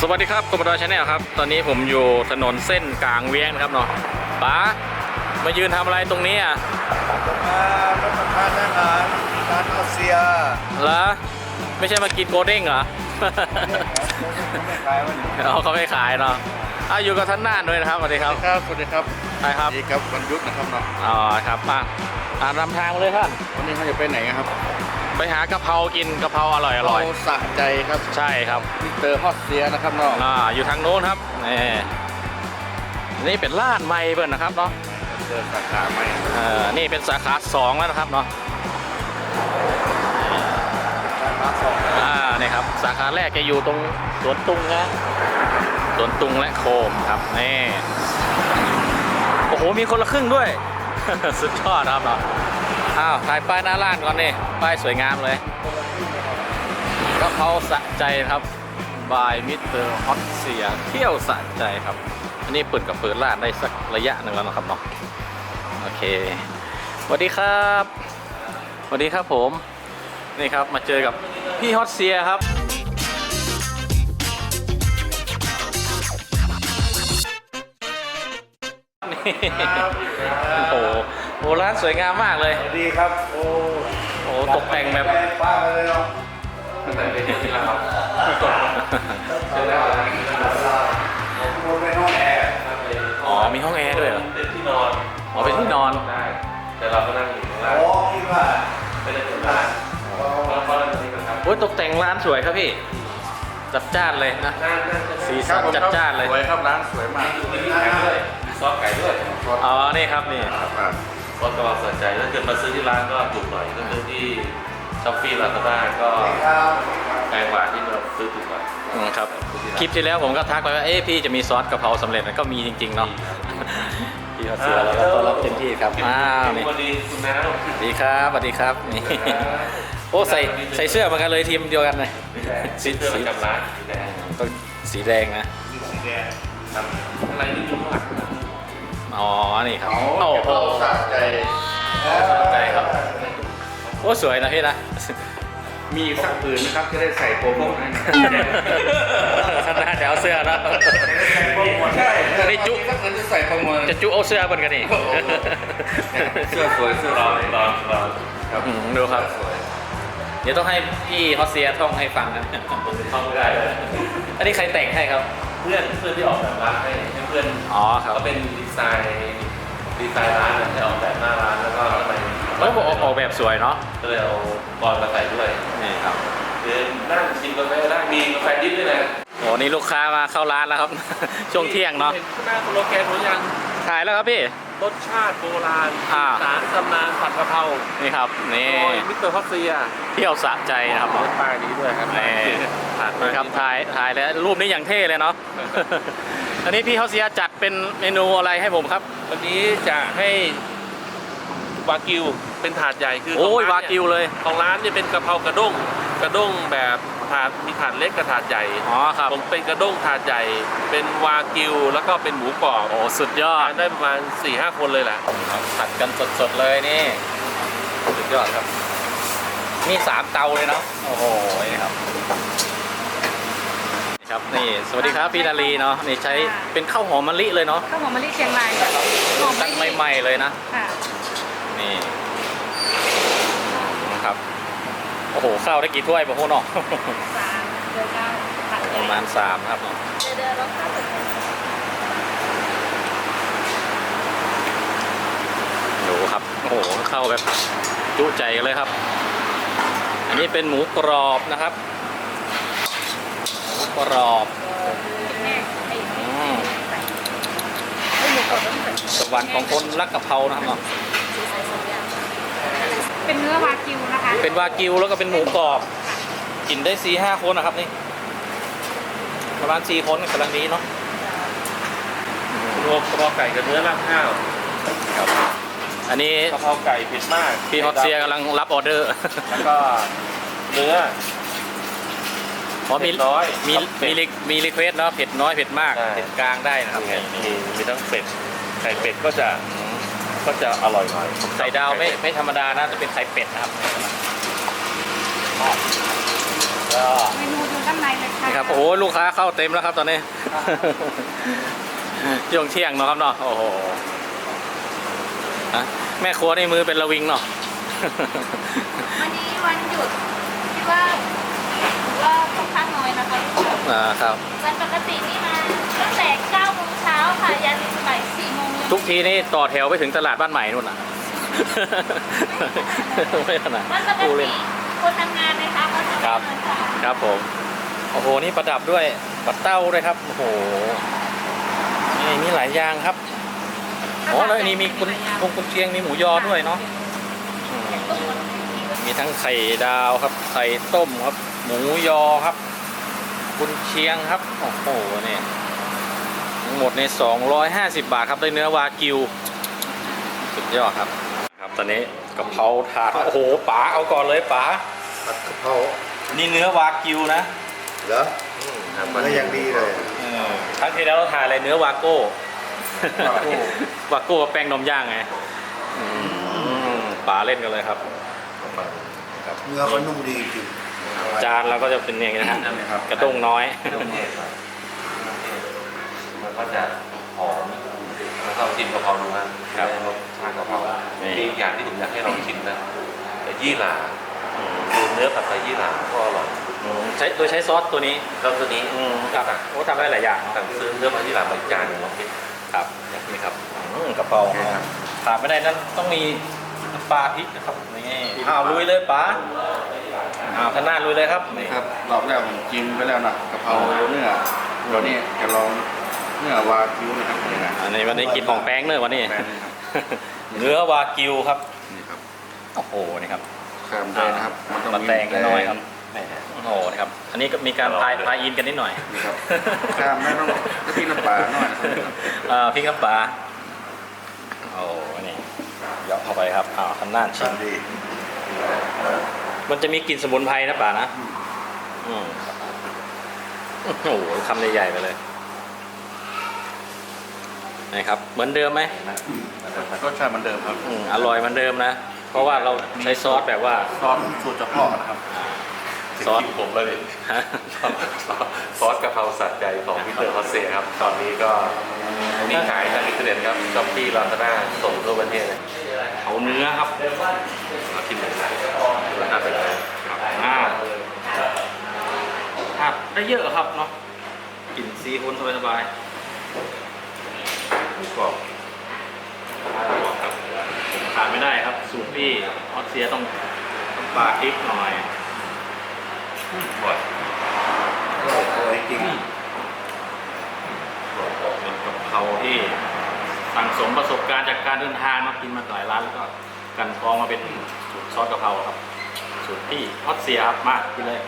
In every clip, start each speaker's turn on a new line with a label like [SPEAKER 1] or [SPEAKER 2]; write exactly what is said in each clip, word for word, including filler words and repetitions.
[SPEAKER 1] สวัสดีครับกบฏชาแนลครับตอนนี้ผมอยู่ถนนเส้นกลางเวียงนะครับเนาะป๋ามายืนทำอะไรตรงนี้อ่ะ
[SPEAKER 2] มารับประทานอาหารร้านอาเซีย
[SPEAKER 1] เหรอไม่ใช่มากินโกเด้งเหรอ
[SPEAKER 2] ไม่ขายวันนี้
[SPEAKER 1] เขาไม่ขายเนาะอ่ะอยู่กับท่านน่านด้วยนะครับสวัสดีครับ
[SPEAKER 2] ครับสวัสดีครับ
[SPEAKER 1] ใช่ครับ
[SPEAKER 2] ดีครับวันหยุดนะครับเนาะ
[SPEAKER 1] อ๋อครับมาอ่านำทางมาเลยท่าน
[SPEAKER 2] วันนี้เขาจะไปไหนครับ
[SPEAKER 1] ไปหากะเพรากินกะเพราอร่อยอร่อย
[SPEAKER 2] สะใจครับ
[SPEAKER 1] ใช่ครับ
[SPEAKER 2] มิสเตอร์ฮอตเซียนะครับเนาะ
[SPEAKER 1] อ่าอยู่ทางโน้นครับนี่นี่เป็นร้านใหม่เปิดนะครับเนาะ
[SPEAKER 2] เจอสาขาใหม่
[SPEAKER 1] เออนี่เป็นสาขาสองแล้วนะครับเนาะ
[SPEAKER 2] สาขาสอง
[SPEAKER 1] อ่านี่ครับสาขาแรกจะอยู่ตรงสวนตุงนะสวนตุงและโคมครับนี่โอ้โหมีคนละครึ่งด้วย สุดยอดครับเนาะอ้าวถ่ายป้ายหน้าร้านก่อนนี่ป้ายสวยงามเลยกะเพราสะใจครับบายมิสเตอร์ฮอตเซียเที่ยวสะใจครับอันนี้เปิดกับเปิดร้านได้สักระยะหนึ่งแล้วนะครับเนาะโอเคสวัสดีครับสวัสดีครับผมนี่ครับมาเจอกับพี่ฮอตเซียครับโอ้โหโอ้ร้านสวยงามมากเลย
[SPEAKER 2] ดีครับโอ้
[SPEAKER 1] โอ้ตกแต่งแบบ
[SPEAKER 2] ป้าเลยเนาะ
[SPEAKER 1] แต่งเป็นที่แล้วครับ
[SPEAKER 2] เจอแล้วผมไปห้องแอร์
[SPEAKER 1] อ๋อมีห้องแอร์ด้วยเหรอ
[SPEAKER 3] เป็นที่นอน
[SPEAKER 1] อ๋อเป็นที่นอน
[SPEAKER 3] ได้แต่เราก็นั่งอยู่ข้างล่าง
[SPEAKER 2] อ๋อคิดว่า
[SPEAKER 3] ไม่ได้เปิดร้านเราก็นั่งนี่กันครับ
[SPEAKER 1] โอ้ยตกแต่งร้านสวยครับพี่จัดจ้านเลยนะสีสันจัดจ้านเลย
[SPEAKER 2] สวยครับร้านสวยมาก
[SPEAKER 3] มีที่ไก่ด้วยซอสไก่ด้วย
[SPEAKER 1] อ๋อนี่ครับนี่
[SPEAKER 3] ซอสกระเพราสนใจถ้าเกิดมาซื้อที่ร้านก็ถูกหน่อยก็คือที่ช้อปปี้ลาซาด้าก็แพงกว่าที่เราซื้อถูกกว่า
[SPEAKER 1] ครับคลิปที่แล้วผมก็ทักไปว่าเอ๊ะพี่จะมีซอสกะเพราสำเร็จมันก็มีจริงๆเนาะพี่เขาเสือแล้วก็ต้อนรับเต็มที่ครับอ้าวนี่
[SPEAKER 3] สวัสดีคุณน้า
[SPEAKER 1] สวัสดีครับสวัสดีครับนี่โอ้ใส่ใส่เสื้อเหมือนกันเลยทีมเดียวกันเลย
[SPEAKER 3] สีเสื้อประจำร้านสีแดง
[SPEAKER 1] ต้องสีแดงนะ
[SPEAKER 2] สีแดง
[SPEAKER 3] ครับอะไรนี่ดูข้างหลัง
[SPEAKER 1] อ๋อนี่ครับ
[SPEAKER 2] โอ้โหสะใจ
[SPEAKER 1] สะใจครับโอ้สวยนะพี่นะ
[SPEAKER 2] มีสักผืนนะครับจะได้ใส่โปรโมทให้
[SPEAKER 1] ขนาดเดี๋ยวเอาเสื้อนะ
[SPEAKER 2] ใช่
[SPEAKER 1] นี่จุ
[SPEAKER 2] สักผืนจะใส่โปรโมท
[SPEAKER 1] จะจุเอาเสื้อเหมือนกันนี่
[SPEAKER 2] เสื้อสวยเสื้อ
[SPEAKER 3] รอรอรอ
[SPEAKER 1] ครับดูครับเดี๋ยวต้องให้พี่ฮอสเซียท่องให้ฟังนะ
[SPEAKER 3] ท่องไม่ได้
[SPEAKER 1] อันนี้ใครแต่งให้ครับ
[SPEAKER 3] เพื่อนเพื่อนที่ออกแบบร้านให้เพื่อน
[SPEAKER 1] อ๋อครับ
[SPEAKER 3] ก็เป็นดีไซน์ดีไซน์ร้านให้ออกแบบหน้าร้านแล้วก็ไป
[SPEAKER 1] แล้วบอกออกแบบสวยเนาะ
[SPEAKER 3] ก็เลยเอาบอลมาใส่ด้วย
[SPEAKER 1] นี่ครับ
[SPEAKER 3] คือนั่งชิมกาแฟได้มีกาแฟดิบด้วยนะ
[SPEAKER 1] โอ้นี่ลูกค้ามาเข้าร้านแล้วครับช่วงเที่ยงเนาะ
[SPEAKER 3] หน้าโลแกนหัวยัง
[SPEAKER 1] ขายแล้วครับพี่
[SPEAKER 3] รสชาติโบราณสารตำนานผัดกะเพรา
[SPEAKER 1] นี่ครับนี่
[SPEAKER 3] มิสเตอร์ฮอตเซีย
[SPEAKER 1] เที่ยวสะใจนะครับ
[SPEAKER 3] รถป้ายนี้ด้วยครับ
[SPEAKER 1] นี่ถ่ายครับถ่ายถ่ายแล้วรูปนี้อย่างเท่เลยเนาะอันนี้พี่ฮอสเซียจัดเป็นเมนูอะไรให้ผมครับ
[SPEAKER 3] วันนี้จะให้วากิวเป็นถาดใหญ่คือ
[SPEAKER 1] โอ้ยวากิวเลย
[SPEAKER 3] ของร้านเนี่ยเป็นกะเพรากระด้งกระด้งแบบถาดมีถาดเล็กกับถาดใหญ่
[SPEAKER 1] อ๋อครับ
[SPEAKER 3] ผมเป็นกระด้งถาดใหญ่เป็นวากิวแล้วก็เป็นหมูกรอบ
[SPEAKER 1] โอ้สุดยอด
[SPEAKER 3] ได้ประมาณ สี่ห้า คนเลยแหละ
[SPEAKER 1] ผัดกันสดๆเลยนี่สุดยอดครับมีสามเตาเลยเนาะโอ้โหนี่ครับนี่ครับนี่สวัสดีครับพี่นาลีเนาะนี่ใช้เป็นข้าวหอมมะลิเลยเนาะ
[SPEAKER 4] ข้าวหอมมะลิเชียงราย
[SPEAKER 1] หอมใหม่ๆเลยนะนี่นะครับโอ้โหข้าวได้กี่ถ้วยบ่โหเนาะ
[SPEAKER 4] สามเดือนเก้า
[SPEAKER 1] ประมาณสามครับเนาะ
[SPEAKER 4] เดือนแล้วค่ะ
[SPEAKER 1] ดูครับโอ้โหเข้าแบบจุใจกันเลยครับอันนี้เป็นหมูกรอบนะครับหมูกรอบสวรรค์ของคนรักกะเพรานะครับเนาะ
[SPEAKER 4] เป็นเนื้อวากิวนะคะ
[SPEAKER 1] เป็นวากิวแล้วก็เป็นหมูกรอบกินได้สี่ห้าคนนะครับนี่ประมาณสี่คนกำลังดีเนาะ
[SPEAKER 3] รวมกะเพราไก่กับเนื้อราดข้าว
[SPEAKER 1] ครับอันนี้
[SPEAKER 3] กะเพราไก่เผ็ดมาก
[SPEAKER 1] พี่ฮอตเซียกำลังรับออเดอร์
[SPEAKER 3] แล้วก็เนื้อ
[SPEAKER 1] พอมีน้อยมีมีมีรีเควสเนาะเผ็ดน้อยเผ็ดมากเผ็ดกลางได้นะครับ
[SPEAKER 3] มีมีทั้งเป็ดไก่เป็ดก็จะก็จะอร่อยหน่อย
[SPEAKER 1] ไข่ดาวไม่ไม่ธรรมดานะจะเป็นไข่เป็ดนะครับก็
[SPEAKER 4] เมนูดูด้านในเลยค่ะ
[SPEAKER 1] นี่ครับโอ้โหลูกค้าเข้าเต็มแล้วครับตอนนี้ ช่วงเที่ยงเนาะครับเนาะโอ้โหฮะแม่ครัวในมือเป็นระวิงเนาะ
[SPEAKER 4] วันนี้วันหยุดที่ว่าก็ค่อนข้างน้อยนะคะ
[SPEAKER 1] อ่าครับ
[SPEAKER 4] วันปกตินี่มาตั้งแต่เก้าโมงเช้าค่ะยันบ่ายสี่โมง
[SPEAKER 1] ทุกทีนี่ต่อแถวไปถึงตลาดบ้านใหม่นู่นน่ะ ไม่ขนาด
[SPEAKER 4] วันปก
[SPEAKER 1] ดูเล
[SPEAKER 4] ติ
[SPEAKER 1] ย
[SPEAKER 4] คนทำงานนะคะก็ทำ
[SPEAKER 1] ครั
[SPEAKER 4] งา
[SPEAKER 1] บ
[SPEAKER 4] นค่ะ
[SPEAKER 1] ครับผมโอ้โหนี่ประดับด้วยปัดเต้าด้วยครับโอ้โหนี่มีหลายอย่างครับอ๋อแล้วอันนี้มีคุณคงคุณเชียงมีหมูยอด้วยเนาะอืมมีทั้งไข่ดาวครับไข่ต้มครับ หมูยอครับคุณเชียงครับโอ้โหนี่ทั้งหมดในสองร้อยห้าสิบบาทครับได้เนื้อวากิวสุดยอดครับครับตอนนี้กะเพราถาดโอ้โหป๋าเอาก่อนเลยป๋า
[SPEAKER 2] ผัดกะเพรา
[SPEAKER 1] นี่เนื้อวากิวนะ
[SPEAKER 2] เหรอ
[SPEAKER 3] อืมครับ
[SPEAKER 2] มันก็ยังดีเลย
[SPEAKER 1] ครั้งที่แล้วเราทานอะไรเนื้อวาโก้
[SPEAKER 2] วาโก้
[SPEAKER 1] วาโก้แป้งนมย่างไงอืมป๋าเล่นกันเลยครับ
[SPEAKER 2] เนื้อก็นุ่มดีจริง
[SPEAKER 1] จานเราก็จะเป็นอย่างนี้นะฮะ
[SPEAKER 2] ครับ
[SPEAKER 1] กระด้งน้อย
[SPEAKER 3] เครื่องเทศครับมันก็จะหอมแล้วก็กินกะเพราดูนะครับ รสชาติกะเพรา
[SPEAKER 1] นี่
[SPEAKER 3] มีอย่างที่ผมอยากให้ลองชิมนะแต่ยี่หร่าคือเนื้อผัดไทยยี่หร่าก็อร่อย
[SPEAKER 1] อืมใช้โดยใช้ซอสตัวนี้
[SPEAKER 3] แล้วตัวนี้
[SPEAKER 1] อืมครับโอ้ทำได้หลายอย่างเนอะ
[SPEAKER 3] สั่งซื้อเนื้อผัดยี่หร่ามาอีกจานหนึ่งลองกิน
[SPEAKER 1] ครับนี่ครับอืมกระเพราขาดไม่ได้นั่นต้องมีน้ำปลาพริกนะครับนี่อ้าวลุยเลยป๋าอ้าวท่านหน้าลุยเลยครับนี่
[SPEAKER 5] ครับรอบแรกผมกินไปแล้วนะกะเพราเนื้อเดี๋ยวนี้จะลองเนื้อวากิวนะครับนี่นะ
[SPEAKER 1] อันนี้วันนี้กินของแป้งเนอะวันนี้
[SPEAKER 5] แป้งนะครับ
[SPEAKER 1] เนื้อวากิวครับ
[SPEAKER 5] นี่ครับ
[SPEAKER 1] โอ้โหนี่ครับ
[SPEAKER 5] แคมด้วยนะครับมันต้อง
[SPEAKER 1] มา
[SPEAKER 5] มี
[SPEAKER 1] แตงกันหน่อยครับแหมโอ้โหนะครับอันนี้ก็มีการพายพายอินกันนิดหน่อย
[SPEAKER 5] นี่ครับแคมไม่ต้องกะทิน้ำปลาหน่อยนะครับ
[SPEAKER 1] เอ่อพริกน้ำปลาโอ้นี่เหยาะเข้าไปครับอ้าวทำหน้าชิ
[SPEAKER 2] ชิ
[SPEAKER 1] ม
[SPEAKER 2] มดี
[SPEAKER 1] มันจะมีกลิ่นสมุนไพรนะป่านะอืมโอ้โหคำใหญ่ๆไปเลยนะครับเหมือนเดิมไหม
[SPEAKER 5] รสชาติเหมือนเดิมครับ
[SPEAKER 1] อืมอร่อยเหมือนเดิมนะ เพราะว่าเราใช้ซอสแบบว่า
[SPEAKER 5] ซอสสูตรเฉพาะนะครับ
[SPEAKER 1] ซอส
[SPEAKER 3] ถึงคิวผมแล้วดิ
[SPEAKER 1] ฮะ
[SPEAKER 3] ซอสกะเพราสัตว์ใจของมิสเตอร์ฮอสเซ่ครับ ตอนนี้ก็มีขายทางอินเทอร์เน็ตครับช้อปปี้ลาซาด้าส่งทั่วประเทศเลย
[SPEAKER 1] เอาเนื้อครับ
[SPEAKER 3] มาชิมเลยนะราคาเป็นไง
[SPEAKER 1] อ่าผัดได้เยอะครับเนาะกลิ่นซีฟู้ดสบาย
[SPEAKER 3] หมูกรอบ
[SPEAKER 1] ๆขาดไม่ได้ครับสูตรพี่ออสเซียต้องต้องปลาพริกหน่อย
[SPEAKER 3] บ่อย
[SPEAKER 2] อร่อยอร่อยจริง
[SPEAKER 1] เป็นกะเพราที่สั่งสมประสบการณ์จากการเดินทางมากินมาหลายร้านแล้วก็กันกรองมาเป็นสูตรซอสกะเพราครับสูตรพี่ออสเซียครับมากินเลย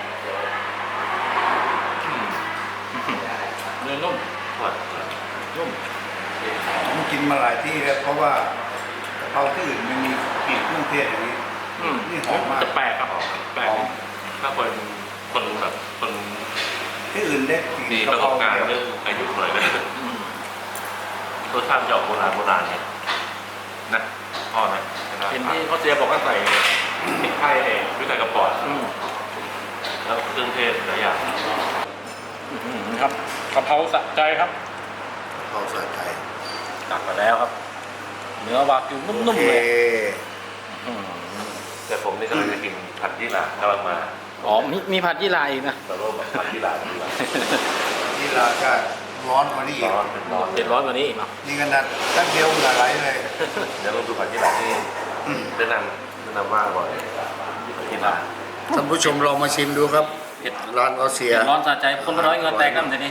[SPEAKER 1] อืมเนื้อนุ่ม
[SPEAKER 3] บ่อย
[SPEAKER 1] นุ่ม
[SPEAKER 2] ผมกินมาหลายที่แล้วเพราะว่ากะเพราที่อื่นมันมีกลิ่นเครื่องเทศอย่างนี้
[SPEAKER 1] อืม
[SPEAKER 2] นี่หอมมาก
[SPEAKER 1] จะแปลกครับแปลก
[SPEAKER 2] หอม
[SPEAKER 3] ถ้าคนคนแบบคน
[SPEAKER 2] ที่อื่นได้กลิ่น
[SPEAKER 3] มีป
[SPEAKER 2] กะ
[SPEAKER 3] ระ
[SPEAKER 2] เพ
[SPEAKER 3] ส
[SPEAKER 2] รา
[SPEAKER 3] บการณ์
[SPEAKER 2] เดียว
[SPEAKER 3] เรื่องอายุหน่อยนะ
[SPEAKER 1] อืม
[SPEAKER 3] รสชาติจะออกโบราณโบราณเนี่ยนะพ่อนะ
[SPEAKER 1] เห็นที่ออสเซียบอกว่าใส่พริกไทยเอง
[SPEAKER 3] วิธีกับปอด
[SPEAKER 1] อืม
[SPEAKER 3] แล้วเครื่องเทศหลายอย่าง
[SPEAKER 1] อืมครับกะเพราสะใจครับ
[SPEAKER 2] กะเพราใส่ไทย
[SPEAKER 1] ตักมาแล้วครับ เนื้อวากิวนุ่ม
[SPEAKER 2] โอ
[SPEAKER 1] ๆ
[SPEAKER 2] เค
[SPEAKER 1] เลยอืม
[SPEAKER 3] แต่ผมนี่กำลังจะกินผัดยี่หร่ากำลังมา
[SPEAKER 1] อ๋อมีมีผัดยี่หร่าอีกนะ
[SPEAKER 3] แต่ว่าผัดยี่หร่าดีกว่า
[SPEAKER 2] นี่ราคาร้อนกว่านี้อีก
[SPEAKER 3] ร้อนเป็นร้อน
[SPEAKER 1] เจ็ดร้อยกว่านี้อีกเนาะ
[SPEAKER 2] นี่ขนาดตั้งเดียวเหงื่อไหลเลย
[SPEAKER 3] เดี๋ยวลองดูผัดยี่หร่าที่แนะนำแนะนำว่าอร่อยผัดยี่หร่า
[SPEAKER 2] ท่านผู้ชมลองมาชิมดูครับร้านออสเซีย
[SPEAKER 1] เจ็ดร้อนสะใจคนร้อยเงินแตกกันทีนี้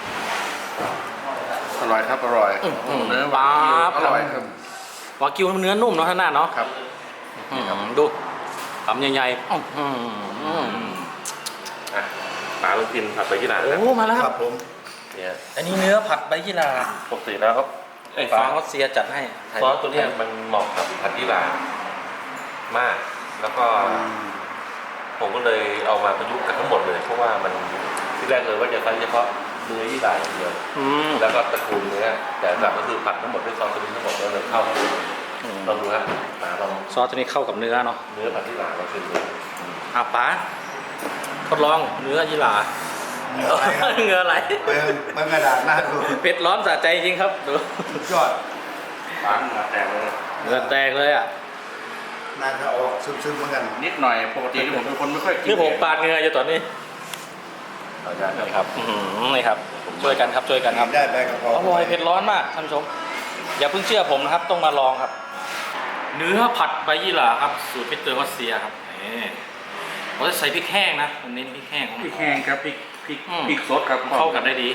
[SPEAKER 5] อร่อยครับอร่อย
[SPEAKER 1] อื้อหือ
[SPEAKER 5] เนื้อวากิว
[SPEAKER 1] ปั๊บ
[SPEAKER 5] อร่อยครับ
[SPEAKER 1] วากิวเนื้อนุ่มเนาะท่านหน้าเนาะ
[SPEAKER 5] ครับ
[SPEAKER 1] อื้อหือดูคำใหญ่ๆอื้อหือ
[SPEAKER 3] อ่ะป๋าลองกินผัดใบยี่หร่า
[SPEAKER 1] โอ้
[SPEAKER 3] นะ
[SPEAKER 1] มาแล้ว
[SPEAKER 2] ค
[SPEAKER 1] ค
[SPEAKER 2] รั
[SPEAKER 1] รั
[SPEAKER 2] บบ ผม
[SPEAKER 3] เนี่ย
[SPEAKER 1] อันนี้เนื้อผัดใบยี่หร่า
[SPEAKER 3] ปกติแล้วก็ไอ้
[SPEAKER 1] ฟา
[SPEAKER 3] ฟ้า
[SPEAKER 1] ออสเซียจัดให้
[SPEAKER 3] ซอสตัวเนี้ยมันเหมาะกับผัดยี่หร่ามาก แล้วก็ผมก็เลยเอามาประยุกต์กันทั้งหมดเลย เพราะว่ามันที่แรกเลยว่าจะใช้เฉพาะเนื้อยี่หร่าอย่างเดียว
[SPEAKER 1] อืม
[SPEAKER 3] แล้วก็ตระกูลเนื้อแต่หลักก็คือผัดทั้งหมดด้วยซอสตัวนี้ทั้งหมดแล้วเลยเข้ากัน
[SPEAKER 1] อืม
[SPEAKER 3] ลองดูฮะป๋าลอง
[SPEAKER 1] ซอสตัวนี้เข้ากับเนื้อเนาะ
[SPEAKER 3] เนื้อผัดยี่หร่าเราชิมดู
[SPEAKER 1] อ่ะป๋าทดลองเนื้อยีหร่า
[SPEAKER 2] เหงื่ออะไรครับ
[SPEAKER 1] เหงื่อไหล
[SPEAKER 2] เปิงเปิงกระดาษหน้าดู
[SPEAKER 1] เผ็ดร้อนสะใจจริงครับดู
[SPEAKER 2] สุดยอด
[SPEAKER 5] ปากเหงื่อแตกเลย
[SPEAKER 1] เหงื่อแตกเลยอ่ะ
[SPEAKER 2] น่าจะออกซึมๆเหมือนกัน
[SPEAKER 5] นิดหน่อยปกติผมเป็นคนไม่ค่อยกิน
[SPEAKER 1] นี่ผมปาดเหงื่ออยู่ตอนนี้
[SPEAKER 5] เอาจารย์
[SPEAKER 1] นี่ครับอื้อหือนี่ครับช่วยกันครับช่วยกันครับ
[SPEAKER 2] ได้ใบกระเพรา
[SPEAKER 1] อร่อยเผ็ดร้อนมากท่านผู้ชมอย่าเพิ่งเชื่อผมนะครับต้องมาลองครับ เนื้อผัดใบยี่หร่าครับสูตรพิเตอร์รัสเซียครับนี่เราจะใส่พริกแห้งนะมันเน้นพริกแห้งของ
[SPEAKER 5] พริกแห้งครับพริกพริก
[SPEAKER 1] อืม
[SPEAKER 5] พริกสดครับ
[SPEAKER 1] เข้ากันได้ดี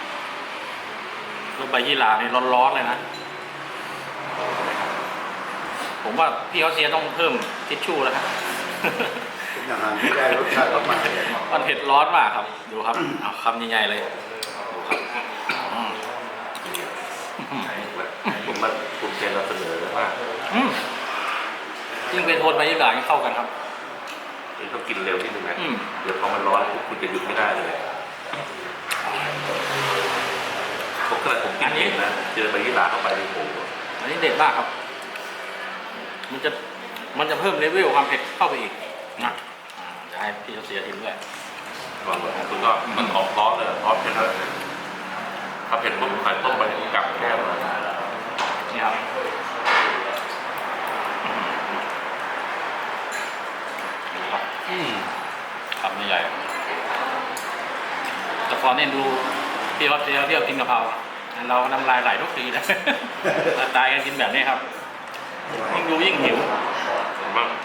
[SPEAKER 1] แล้วใบยี่หร่านี่ร้อนๆเลยนะผมว่าพี่เขาเสียต้องเพิ่มทิชชู่แล้วครับ
[SPEAKER 2] เป็นอาหารที่ได้รสชาติออกมาเลย
[SPEAKER 1] มันเผ็ดร้อนมากครับดูครับเอาคำใหญ่ๆเลยดูครับอืม
[SPEAKER 3] ผมมาภูมิใจนำเสนอว่า
[SPEAKER 1] อืมยิ่งเป็นโทนใบยี่หร่ายิ่งเข้ากันครับ
[SPEAKER 3] ต้องกินเร็วนิดนึงนะ
[SPEAKER 1] อืม
[SPEAKER 3] เดี๋ยวพอมันร้อนปุ๊บคุณจะหยุดไม่ได้เลยผมขนาดผมกินเองนะเจอใบยี่หร่าเข้าไปในโอ้โห
[SPEAKER 1] อันนี้เด็ดมากครับ มันจะมันจะเพิ่มเลเวลความเผ็ดเข้าไปอีกนะอ่าจะให้พี่เขาเสียทีด้วย
[SPEAKER 3] ก่อนเลยคุณก็มันออกร้อนเลยร้อนเผ็ดเลยถ้าเผ็ดปุ๊บใส่ต้มไปกลับแก้มเลย
[SPEAKER 1] นี่ครับดูครับ
[SPEAKER 3] อืม
[SPEAKER 1] คำใหญ่ๆแต่พอเนี่ยดูพี่เขาเสียเที่ยวกินกะเพราเราน้ำลายไหลทุกทีนะ ตายกันกินแบบนี้ครับยิ่งดูยิ่งหิว
[SPEAKER 3] มาก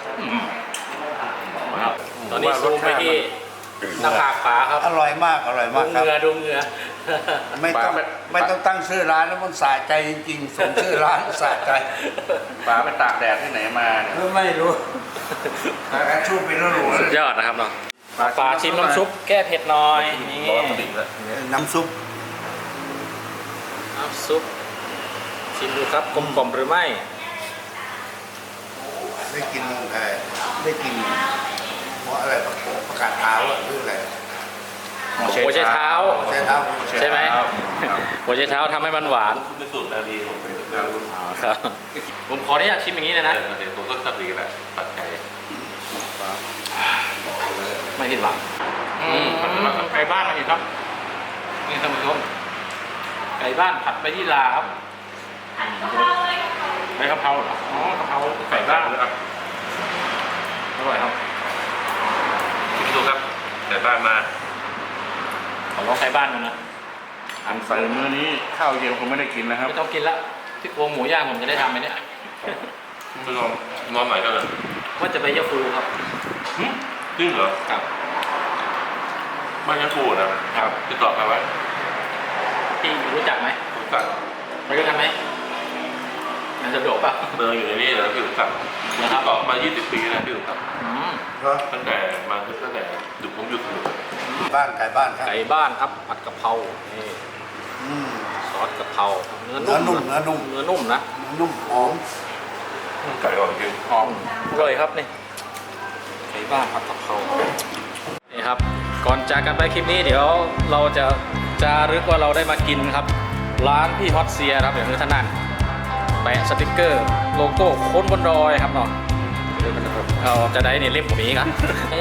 [SPEAKER 1] ครับตอนนี้ซูมไปที่หน้าผากป๋าครับ
[SPEAKER 2] อร่อยมากอร่อย
[SPEAKER 1] ดู
[SPEAKER 2] มากครับ
[SPEAKER 1] เหงือดูเหงือ
[SPEAKER 2] ไม่ต้องไม่ต้องตั้งชื่อร้านแล้วมันสะใจจริงๆสมชื่อร้านสะใจ
[SPEAKER 5] ปลาไปตากแดดที่ไหนมาเนี่ย
[SPEAKER 2] ก็ไม่รู้แต่ชูไปแล้วรู้
[SPEAKER 1] สุดยอดนะครับเนาะป๋าชิมน้ำซุปแก้เผ็ดหน่อยนี่
[SPEAKER 3] ร้อนสนิทเลย
[SPEAKER 2] น้ำซุป
[SPEAKER 1] น้ำซุปชิมดูครับกลมกล่อมหรือไม่
[SPEAKER 2] ได้กินเอ่อได้กินเพราะอะไรประกาศเท้าอะหรืออะไร
[SPEAKER 1] หัวใจเท้า
[SPEAKER 2] ใช่เท้า
[SPEAKER 1] ใช่ไหม
[SPEAKER 5] ครับ
[SPEAKER 1] หัวใจเท้าทำให้มันหวาน
[SPEAKER 3] คุณเป็นสูตรนาดีผมเป็นแบบ
[SPEAKER 1] อ๋อครับ ผมขออนุญาตชิมอย่างนี้เลยนะ
[SPEAKER 3] เดี๋ยวผมก็ชอบดีแหละปัดใจ
[SPEAKER 1] ไม่ผิดหวังอืมไก่บ้านมาอีกครับ นี่ท่านผู้ชมไก่บ้านผัดใบยี่หร่าครับใบกะเพราเหรออ๋อกะเพราไก่บ้าน
[SPEAKER 3] ครับ
[SPEAKER 1] อร่อยครับ
[SPEAKER 3] ชิมดูครับแต่บ้านมา
[SPEAKER 1] ขอลองไก่บ้านมันนะ
[SPEAKER 5] อันใส่มื้อนี้ข้าวเย็นผมไม่ได้กินนะครับ
[SPEAKER 1] ไม่ต้องกินละที่โครงหมูย่างผมจะได้ทำไหมเนี่ย
[SPEAKER 3] คุณลองนอนไหนกันเลย
[SPEAKER 1] ว่าจะไปยาฟูครับ
[SPEAKER 3] จริงเหรอ
[SPEAKER 1] ครับ
[SPEAKER 3] บ้านยังกูนะครับ ติดต่อใครไว้
[SPEAKER 1] พี่รู้จักไหม
[SPEAKER 3] ผมสั่ง
[SPEAKER 1] ไปด้วยกันไหมมันสะดวกป่ะ
[SPEAKER 3] เบอร์อยู่ในนี้แล้วพี่ผมสั่ง
[SPEAKER 1] นะครับ
[SPEAKER 3] ติดต่อมายี่สิบปีแล้วพี่ผมสั่ง
[SPEAKER 1] อืม
[SPEAKER 2] เพราะ
[SPEAKER 3] ตั้งแต่มาตั้งแต่หยุดผมหยุดอยู่
[SPEAKER 2] บ้านไก่บ้านครับ
[SPEAKER 1] ไก่บ้านครับผัดกะเพรานี่
[SPEAKER 2] อืม
[SPEAKER 1] ซอสกะเพราเนื้อ
[SPEAKER 2] เนื้อนุ่
[SPEAKER 1] นุ่
[SPEAKER 2] ม
[SPEAKER 1] ม
[SPEAKER 2] เนื้อนุ่ม
[SPEAKER 1] เนื้อนุ่มนะ
[SPEAKER 2] นุ่มหอม
[SPEAKER 3] ไก่อ่อนจริง
[SPEAKER 1] หอมอร่อยครับนี่ไก่บ้านผัดกะเพรานี่ครับ ก่อนจากกันไปคลิปนี้เดี๋ยวเราจะจารึกว่าเราได้มากินครับ ร้านพี่ฮอตเซียครับอย่างนี้ท่านนั่นแปะสติกเกอร์โลโก้คนบนดอยครับเนาะเราจะได้เนี่ยเล่มผมนี้ครับ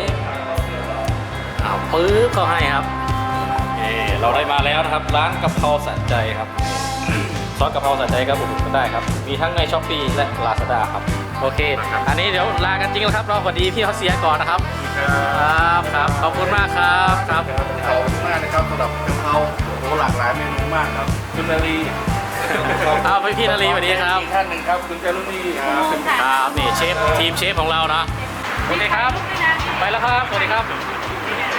[SPEAKER 1] อ้าวปื๊บเขาให้ครับนี่เราได้มาแล้วนะครับ ร้านกะเพราสะใจครับ ซอสกะเพราสะใจก็อุดหนุนกันได้ครับ มีทั้งในช้อปปี้และลาซาด้าครับ โอเค อันนี้เดี๋ยวลากันจริงแล้วครับ เราสวัสดีพี่เขาเสียก่อนนะครับ ครับครับ ขอบคุณมากครับครับ
[SPEAKER 5] ขอบคุณมากนะครับสำหรับกะเพราโอ้หลากหลายเมนูมากครับคุณนาลี
[SPEAKER 1] เอาไปพี่นาลีสวัสดีครับ
[SPEAKER 5] อีกท่านหนึ่งครับคุณจารุณีครับ
[SPEAKER 1] ครับนี่เชฟทีมเชฟของเราเนาะโอเคครับ ไปแล้วครับ สวัสดีครับ
[SPEAKER 4] เ